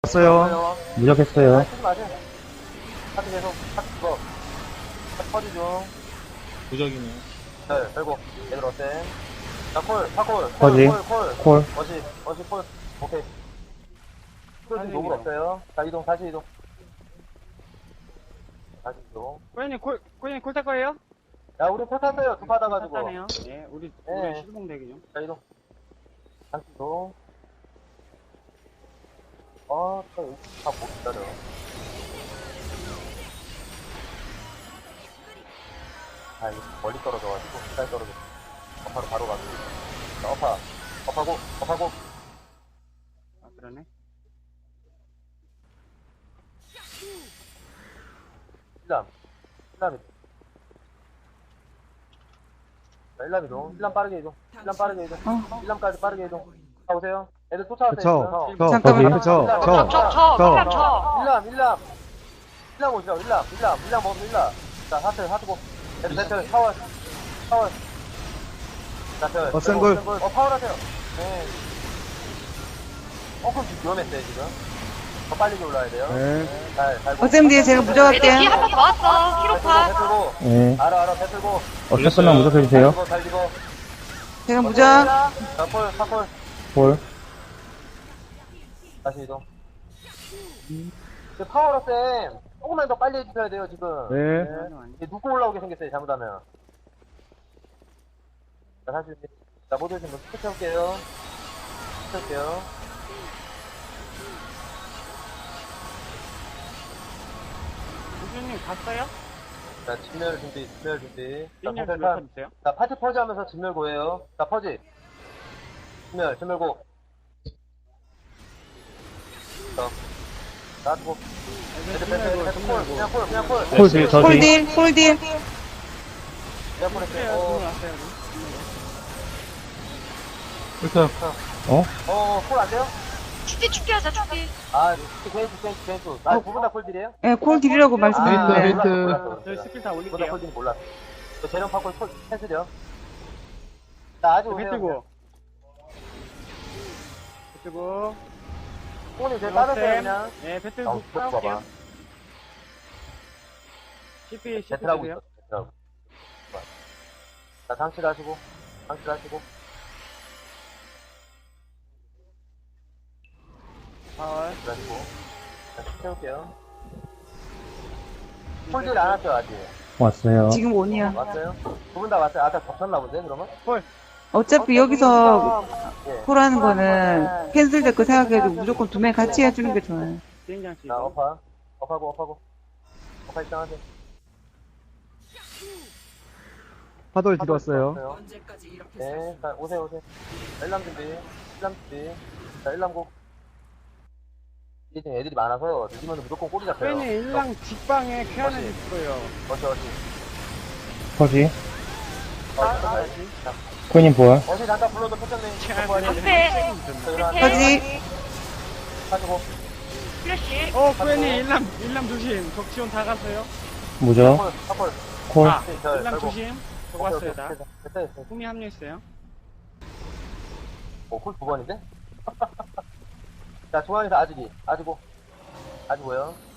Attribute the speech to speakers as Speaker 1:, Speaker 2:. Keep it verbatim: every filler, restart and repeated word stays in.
Speaker 1: 왔어요.
Speaker 2: 무적했어요.
Speaker 3: 아, 쓰지 마세요. 하트 계속, 하트 그거. 하트 퍼지 중.
Speaker 1: 무적이네.
Speaker 3: 네, 결국. 얘들 어때? 자, 콜, 파콜.
Speaker 2: 퍼지.
Speaker 3: 콜, 콜, 콜.
Speaker 2: 콜.
Speaker 3: 어시, 어시, 콜. 오케이. 콜 노블 없어요. 자, 이동, 다시 이동. 다시 이동.
Speaker 4: 꼬연님 콜, 꼬연님 콜 탈 거예요?
Speaker 3: 야, 우리 콜 탔어요. 두 받아가지고.
Speaker 4: 탔다네요. 네, 우리,
Speaker 3: 네.
Speaker 4: 우리 시드봉 대기 중.
Speaker 3: 자, 이동. 다시 이동. 아, 또, 여기 다못 기다려. 아, 이거 멀리 떨어져가지고, 가까이 떨어져. 업하로 바로 가고. 자, 업하. 업하고, 업하고.
Speaker 4: 아, 그러네.
Speaker 3: 일람. 일람이. 자, 일람 이동. 일람 빠르게 이동. 일람 빠르게 이동. 일람까지 빠르게 이동. 자, 오세요. 애들 쫓아오세요.
Speaker 1: 저, 저,
Speaker 2: 잠깐만요.
Speaker 1: 거기, 저,
Speaker 3: 일람,
Speaker 1: 저,
Speaker 3: 일람,
Speaker 5: 저, 저,
Speaker 1: 저.
Speaker 5: 일람 저.
Speaker 3: 일람, 일람. 일람 오시라고, 일람, 일람, 일람 먹으면 일람. 자, 하트, 하트고. 애들 배틀, 파월, 파월. 자, 별.
Speaker 1: 어, 센글.
Speaker 3: 어, 파월 하세요. 네. 어, 그럼 지금 위험했어요, 지금. 더 빨리 올라야 돼요.
Speaker 1: 네.
Speaker 3: 잘, 잘.
Speaker 2: 어쌤 뒤에 제가
Speaker 5: 얘들
Speaker 2: 무적할게요.
Speaker 5: 뒤에 한 번 더 왔어. 키로파.
Speaker 3: 배틀고.
Speaker 2: 네.
Speaker 3: 알아, 알아, 배틀고.
Speaker 2: 어쨌거나 무적해주세요.
Speaker 3: 잘 잘 집어.
Speaker 2: 제가 무적.
Speaker 3: 자, 콜, 파콜.
Speaker 2: 볼.
Speaker 3: 다시 이동. 그 파워로 쌤, 조금만 더 빨리 해주셔야 돼요, 지금.
Speaker 1: 네.
Speaker 3: 이게 눕고 올라오게 생겼어요, 잘못하면. 자, 다시, 자, 모두 지금 스트 채울게요. 스트 채울게요.
Speaker 4: 우주님 갔어요?
Speaker 3: 자, 진멸 준비, 진멸 준비. 자,
Speaker 4: 삐님
Speaker 3: 공세
Speaker 4: 몇
Speaker 3: 칸.
Speaker 4: 퍼주세요?
Speaker 3: 자, 파티 퍼지 하면서 진멸 고해요. 자, 퍼지. 진멸, 진멸 고. 자, 놔두고. 애들 뺐어, 애들 뺐어, 콜. 그냥 콜, 그냥 콜.
Speaker 2: 콜 딜, 저 딜. 콜딜, 콜딜.
Speaker 3: 그냥 콜
Speaker 4: 그래요,
Speaker 3: 했어요. 어,
Speaker 4: 돈 왔어요.
Speaker 1: 일단,
Speaker 2: 어?
Speaker 3: 어, 콜 안 돼요?
Speaker 5: 축기 축기 하자 축기.
Speaker 3: 아, 괜수, 괜수, 괜수. 아, 두 분 다 콜딜이에요?
Speaker 2: 네, 콜딜이라고
Speaker 1: 페이트,
Speaker 2: 말씀드렸는데.
Speaker 1: 페이트.
Speaker 3: 몰랐어,
Speaker 4: 저희
Speaker 3: 몰랐어.
Speaker 4: 스킬 다
Speaker 3: 두분 다
Speaker 4: 올릴게요.
Speaker 3: 콜딜 몰랐어. 저 재련 파콜 콜 캔슬이요. 자, 아직 오세요.
Speaker 4: 배트고. 배트고.
Speaker 3: 콜이 제일 빠졌어요, 그냥.
Speaker 4: 네, 배트
Speaker 3: 아,
Speaker 4: 고
Speaker 3: 또 봐봐.
Speaker 4: 싸울게요. 씨피, 씨피
Speaker 3: 배틀하고
Speaker 4: 주세요.
Speaker 3: 있어, 배틀하고. 좋아. 자, 상실 하시고, 상실 하시고.
Speaker 4: 파월.
Speaker 3: 상실 하시고. 자, 채울게요. 콜딜 안 왔죠, 아직?
Speaker 2: 왔어요. 지금 온이야.
Speaker 3: 왔어요? 두 분 다 왔어요? 아, 다 겹쳤나 본데, 그러면?
Speaker 2: 어차피 여기서
Speaker 3: 예.
Speaker 2: 콜하는 거는 캔슬될 거 생각해도 무조건 두 명 같이 해주는 게 좋아요.
Speaker 4: 비행장 씨.
Speaker 3: 자, 업하. 업하고, 업하고. 업하 입장하세요.
Speaker 1: 파돌 뒤로 왔어요.
Speaker 3: 네, 자, 오세요, 오세요. 자, 일람 준비, 일람 준비. 자, 일람고. 이게 지금 애들이 많아서 늦으면 무조건 꼬리 잡혀요.
Speaker 4: 꼬연님 일랑 직방에 쾌하는
Speaker 3: 어시.
Speaker 4: 있어요.
Speaker 3: 어시, 어시.
Speaker 2: 퍼지.
Speaker 3: 어시, 가야지. 자,
Speaker 2: 코인님 볼.
Speaker 3: 어시 잠깐 불러도 표정네.
Speaker 5: 앞에.
Speaker 2: 퍼지.
Speaker 3: 가지고.
Speaker 5: 플래시.
Speaker 4: 어, 꼬연님 일랑, 일랑 조심. 적지원 다 갔어요.
Speaker 2: 무적.
Speaker 3: 콜, 콜.
Speaker 2: 콜.
Speaker 4: 아,
Speaker 3: 자,
Speaker 4: 일랑
Speaker 3: 결국.
Speaker 4: 조심. 저
Speaker 3: 오케이,
Speaker 4: 왔어요,
Speaker 3: 오케이,
Speaker 4: 다.
Speaker 3: 됐다, 됐다, 됐다.
Speaker 4: 꿈이 합류했어요.
Speaker 3: 오, 콜 두 번인데? 자, 중앙에서 아직이. 아직고. 아직고요.